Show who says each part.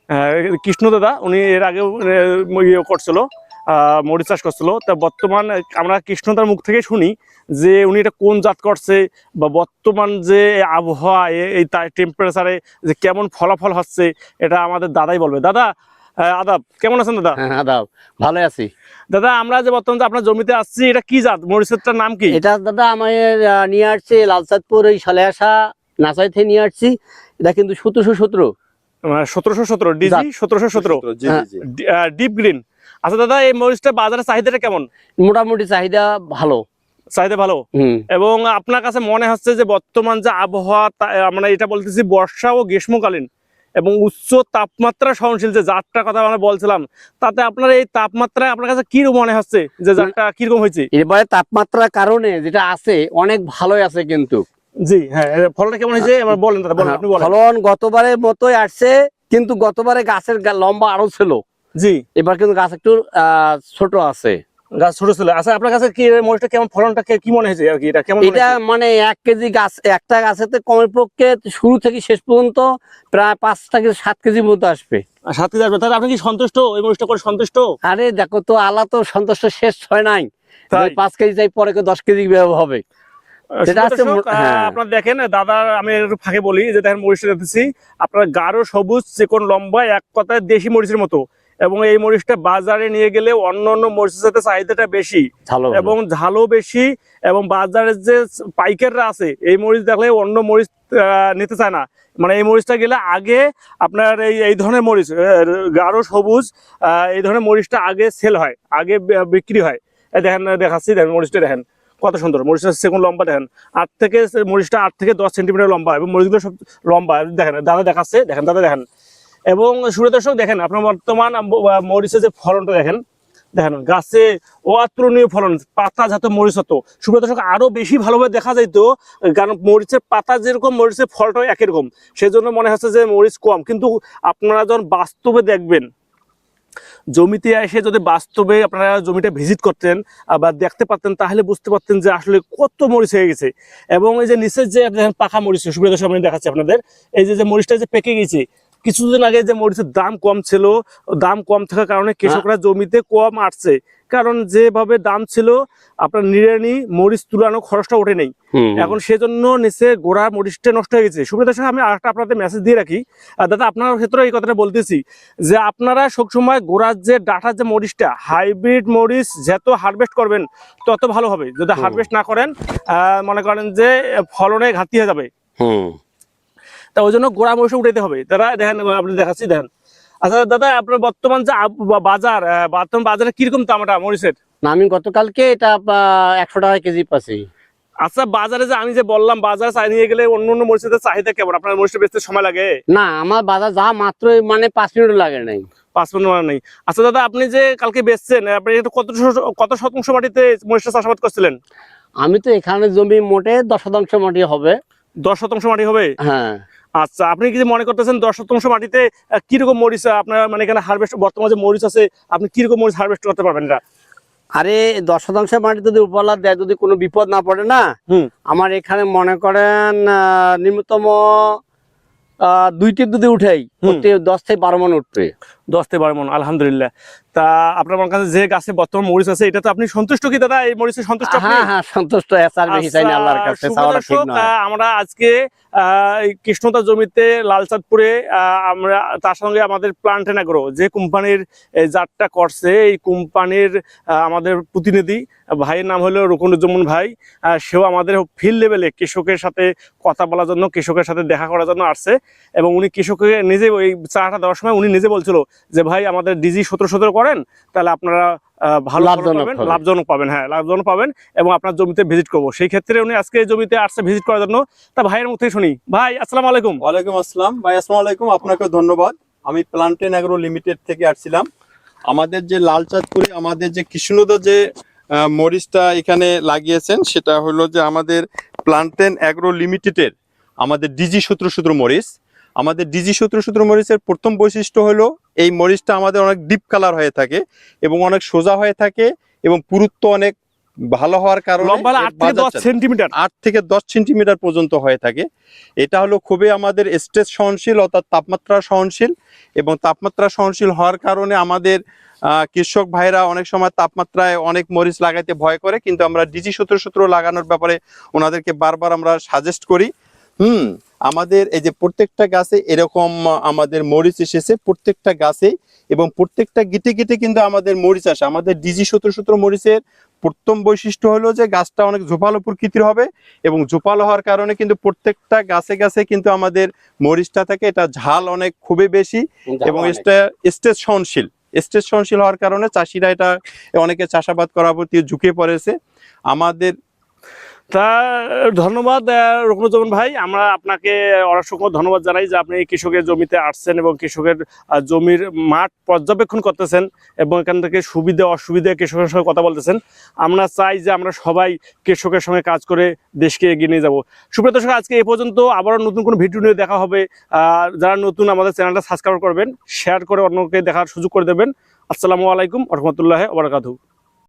Speaker 1: কৃষ্ণ দাদা উনি এর আগেও ইয়ে করছিল, মরিচ চাষ করছিল। তা বর্তমান আমরা কৃষ্ণদার মুখ থেকে শুনি যে উনি এটা কোন জাত করছে বা বর্তমান যে আবহাওয়া এই টেম্পারেচারে যে কেমন ফলাফল হচ্ছে এটা আমাদের দাদাই বলবে। দাদা আদাব, কেমন আছেন দাদা?
Speaker 2: হ্যাঁ আদাব, ভালো আছি
Speaker 1: দাদা। আমরা যে বর্তমান যে আপনার জমিতে আসছি, এটা কি জাত মরিচেরটার নাম কি?
Speaker 2: এটা দাদা আমার নিয়ে আসছে লালচাঁদপুর এই সালেহাসা নাচাই থেকে নিয়ে আসছি। এটা কিন্তু 1717
Speaker 1: 1717 ডিজি 1717 ডিপ গ্রিন। আচ্ছা দাদা, এই মরিচটা বাজারে চাহিদাটা কেমন?
Speaker 2: মোটামুটি চাহিদা ভালো।
Speaker 1: চাহিদা ভালো। এবং আপনার কাছে মনে হচ্ছে যে বর্তমান যে আবহাওয়া, আমরা এটা বলতেছি বর্ষা ও গ্রীষ্মকালীন এবং উচ্চ তাপমাত্রা সহনশীল যে জাতটার কথা আমরা বলছিলাম, তাতে আপনার এই তাপমাত্রায় আপনার কাছে কি মনে হচ্ছে যে জাতটা কিরকম হয়েছে?
Speaker 2: এবারে তাপমাত্রার কারণে যেটা আছে অনেক ভালোই আছে কিন্তু।
Speaker 1: জি হ্যাঁ, ফলটা কেমন হয়েছে এবার বলেন দাদা, বলেন আপনি বলেন।
Speaker 2: ফলন গতবারের মতোই আসছে, কিন্তু গতবারে গাছের লম্বা আরো ছিল।
Speaker 1: জি,
Speaker 2: এবার কিন্তু গাছ একটু ছোট আছে,
Speaker 1: গাছ ছোট ছিল। আচ্ছা আপনার কাছে কি মরিচটা কেমন, ফলনটা কি মনে হয়েছে আর কি? এটা কেমন?
Speaker 2: এটা মানে 1 কেজি গাছ, একটা গাছেতে কমের পক্ষে শুরু থেকে শেষ পর্যন্ত প্রায় 5 থেকে 7 কেজি মতো আসবে।
Speaker 1: 7 কেজি আসবে। তাহলে আপনি কি সন্তুষ্ট এই মরিচটা করে? সন্তুষ্ট?
Speaker 2: আরে দেখো তো, আলা তো সন্তুষ্ট শেষ হয় নাই। 5 কেজি যাই পরে 10 কেজি হবে।
Speaker 1: আপনার দেখেন দাদা, আমি একটু ফাঁকে বলি যে দেখেন মরিচটা দেখতেছি আপনার গাঢ় সবুজ চিকন লম্বা, এক কথায় দেশি মরিচের মতো। এবং এই মরিচটা বাজারে নিয়ে গেলে অন্য অন্য মরিচের সাথে চাহিদাটা বেশি এবং ঝালও বেশি। এবং বাজারের যে পাইকাররা আছে এই মরিচ দেখলে অন্য মরিচ নিতে চায় না। মানে এই মরিচটা গেলে আগে আপনার এই ধরনের মরিচ গাঢ় সবুজ এই ধরনের মরিচটা আগে সেল হয়, আগে বিক্রি হয়। দেখেন দেখাচ্ছি, দেখেন মরিচটা দেখেন কত সুন্দর। মরিচটা সেগুন লম্বা দেখেন, মরিচটা 8 থেকে 10 সেন্টিমিটার লম্বা এবং মরিচগুলো সব লম্বা। দেখেন দাদা দেখাচ্ছে, দেখেন দাদা দেখেন। এবং সুপ্রিয় দর্শক দেখেন আপনার বর্তমান মরিচের যে ফলনটা দেখেন, দেখেন গাছে অতুলনীয় ফলন, পাতা যাতে মরিচ হতো। সুপ্রিয় দর্শক আরো বেশি ভালোভাবে দেখা যাইতো, কারণ মরিচের পাতা যেরকম মরিচের ফলটাও একই রকম, সেজন্য মনে হচ্ছে যে মরিচ কম। কিন্তু আপনারা যখন বাস্তবে দেখবেন, জমিতে এসে যদি বাস্তবে আপনারা জমিটা ভিজিট করতেন বা দেখতে পারতেন, তাহলে বুঝতে পারতেন যে আসলে কত মরিচ হয়ে গেছে। এবং এই যে নিচের যে পাকা মরিচ, সুপ্রিয় দর্শক আমি দেখাচ্ছি আপনাদের, এই যে মরিচটা যে পেকে গেছে, কিছুদিন আগে যে মরিচের দাম কম ছিল, দাম কম থাকার কারণে কৃষকরা জমিতে কম আসছে, কারণ যেভাবে দাম ছিল আপনার নিড়ানি মরিচ তুলানো খরচটা ওঠে নেই। এখন সেজন্য নিচে গোড়া মরিচটা নষ্ট হয়ে গেছে। সুপ্রিয় দর্শক আমি আরেকটা আপনাদের মেসেজ দিয়ে রাখি, দাদা আপনার ক্ষেত্রে এই কথাটা বলতেছি যে আপনারা সবসময় গোড়ার যে ডাটার যে মরিচটা, হাইব্রিড মরিচ যত হারভেস্ট করবেন তত ভালো হবে। যদি হারভেস্ট না করেন মনে করেন যে ফলনে ঘাটতি হয়ে যাবে। তা ওই জন্য গোড়া মরিচ উঠাইতে হবে। তারা দেখেন আপনি দেখাচ্ছি, দেখেন। আচ্ছা দাদা, আপনার বর্তমান যে বর্তমান বাজারে কিরকম দামটা মরিচের?
Speaker 2: না, আমি গতকালকে এটা 100 টাকা কেজি পাচ্ছি।
Speaker 1: আচ্ছা বাজারে যে আমি যে বললাম, বাজারে চাই নিয়ে গেলে অন্য অন্য মরিচের চাহিদা কেমন? আপনার মরিচটা বেচতে সময় লাগে?
Speaker 2: না, আমার বাজার যা মাত্র মানে 5 মিনিট লাগে নাই,
Speaker 1: 5 মিনিট মানে নেই। আচ্ছা দাদা, আপনি যে কালকে বেচছেন, আপনি কত শতাংশ মাটিতে মরিচটা চাষাবাদ করছিলেন?
Speaker 2: আমি তো এখানে জমি মোটে 10 শতাংশ মাটি হবে।
Speaker 1: 10 শতাংশ মাটি হবে?
Speaker 2: হ্যাঁ।
Speaker 1: আচ্ছা, আপনি কি মনে করতেছেন 10 শতাংশ মাটিতে কিরকম মরিচ আপনার মানে এখানে হারভেস্ট, বর্তমানে যে মরিচ আছে আপনি কিরকম মরিচ হারভেস্ট করতে পারবেন? এটা
Speaker 2: আরে 10 শতাংশ মাটি যদি উপলা দেয়, যদি কোনো বিপদ না পড়ে না, আমার এখানে মনে করেন নিম্নতম 2 টিপ যদি উঠেই 10 থেকে 12 মন উঠবে।
Speaker 1: 10 থেকে 12 মন, আলহামদুলিল্লাহ। তা আপনার কাছে যে গাছে বর্তমান মরিচ আছে, এটা তো আপনি সন্তুষ্ট কি দাদা? এই মরিচে সন্তুষ্ট?
Speaker 2: হ্যাঁ হ্যাঁ, সন্তুষ্ট। আল্লাহর কাছে চাওয়াটা ঠিক নয়।
Speaker 1: আমরা আজকে কৃষ্ণতা জমিতে লালচাঁদপুরে, আমরা তার সঙ্গে আমাদের প্লান্টেন এগ্রো যে কোম্পানির জাতটা করছে, এই কোম্পানির আমাদের প্রতিনিধি ভাইয়ের নাম হলো রুকনুজ্জামান ভাই। সেও আমাদের ফিল্ড লেভেলে কৃষকের সাথে কথা বলার জন্য, কৃষকের সাথে দেখা করার জন্য আসছে। এবং উনি কৃষককে নিজে ওই চাটা দেওয়ার সময় উনি নিজে বলছিল যে ভাই আমাদের ডিজি 1717 করেন, তাহলে আপনারা ভালো লাভজনক পাবেন। হ্যাঁ, লাভজনক পাবেন এবং আপনার জমিতে ভিজিট করবো। সেই ক্ষেত্রে উনি আজকে জমিতে আসছে ভিজিট করার জন্য। তা ভাইয়ের মুখ থেকে শুনি। ভাই আসসালামু আলাইকুম।
Speaker 3: ওয়ালাইকুম আসসালাম। ভাই আসসালামু আলাইকুম, আপনাকে ধন্যবাদ। আমি প্লান্টেন এগ্রো লিমিটেড থেকে আসছিলাম। আমাদের যে লালচাঁদপুরে আমাদের যে কৃষ্ণদা যে মরিচটা এখানে লাগিয়েছেন, সেটা হলো যে আমাদের প্লান্টেন এগ্রো লিমিটেডের আমাদের ডিজি 1717 মরিচ। আমাদের ডিজি 1717 মরিচের প্রথম বৈশিষ্ট্য হলো এই মরিচটা আমাদের অনেক ডিপ কালার হয়ে থাকে এবং অনেক সোজা হয়ে থাকে এবং পুরুত্ব অনেক ভালো হওয়ার কারণে
Speaker 1: লম্বা হলে 8 থেকে 10 সেন্টিমিটার
Speaker 3: 8 থেকে 10 সেন্টিমিটার পর্যন্ত হয়ে থাকে। এটা হলো খুবই আমাদের স্ট্রেস সহনশীল অর্থাৎ তাপমাত্রা সহনশীল, এবং তাপমাত্রা সহনশীল হওয়ার কারণে আমাদের কৃষক ভাইরা অনেক সময় তাপমাত্রায় অনেক মরিচ লাগাইতে ভয় করে, কিন্তু আমরা ডিজি 1717 লাগানোর ব্যাপারে ওনাদেরকে বারবার আমরা সাজেস্ট করি। আমাদের এই যে প্রত্যেকটা গাছে এরকম আমাদের মরিচ এসেছে, প্রত্যেকটা গাছে, এবং প্রত্যেকটা গিটে গিটে কিন্তু আমাদের মরিচ আসে। আমাদের ডিজি 1717 মরিচের প্রথম বৈশিষ্ট্য হলো যে গাছটা অনেক ঝোপালো প্রকৃতির হবে, এবং ঝোপালো হওয়ার কারণে কিন্তু প্রত্যেকটা গাছে গাছে কিন্তু আমাদের মরিচটা থাকে, এটা ঝাল অনেক খুবই বেশি, এবং এটা স্ট্রেস সহনশীল। স্ট্রেস সহনশীল হওয়ার কারণে চাষিরা এটা অনেকে চাষাবাদ করার প্রতি ঝুঁকে পড়েছে। আমাদের
Speaker 1: তা ধন্যবাদ রুকনুজ্জামান ভাই, আমরা আপনাকে অসংখ্য ধন্যবাদ জানাই যে আপনি কৃষকের জমিতে আসছেন এবং কৃষকের জমির মাঠ পর্যবেক্ষণ করতেছেন এবং এখান থেকে সুবিধা অসুবিধা কৃষকের সঙ্গে কথা বলতেছেন। আমরা চাই যে আমরা সবাই কৃষকের সঙ্গে কাজ করে দেশকে এগিয়ে নিয়ে যাব। সুপ্রিয় দর্শক, আজকে এই পর্যন্ত, আবারও নতুন কোনো ভিডিও নিয়ে দেখা হবে। যারা নতুন আমাদের চ্যানেলটা সাবস্ক্রাইব করবেন, শেয়ার করে অন্যকে দেখার সুযোগ করে দেবেন। আসসালামু আলাইকুম ওয়া রাহমাতুল্লাহি ওয়া বারাকাতুহু।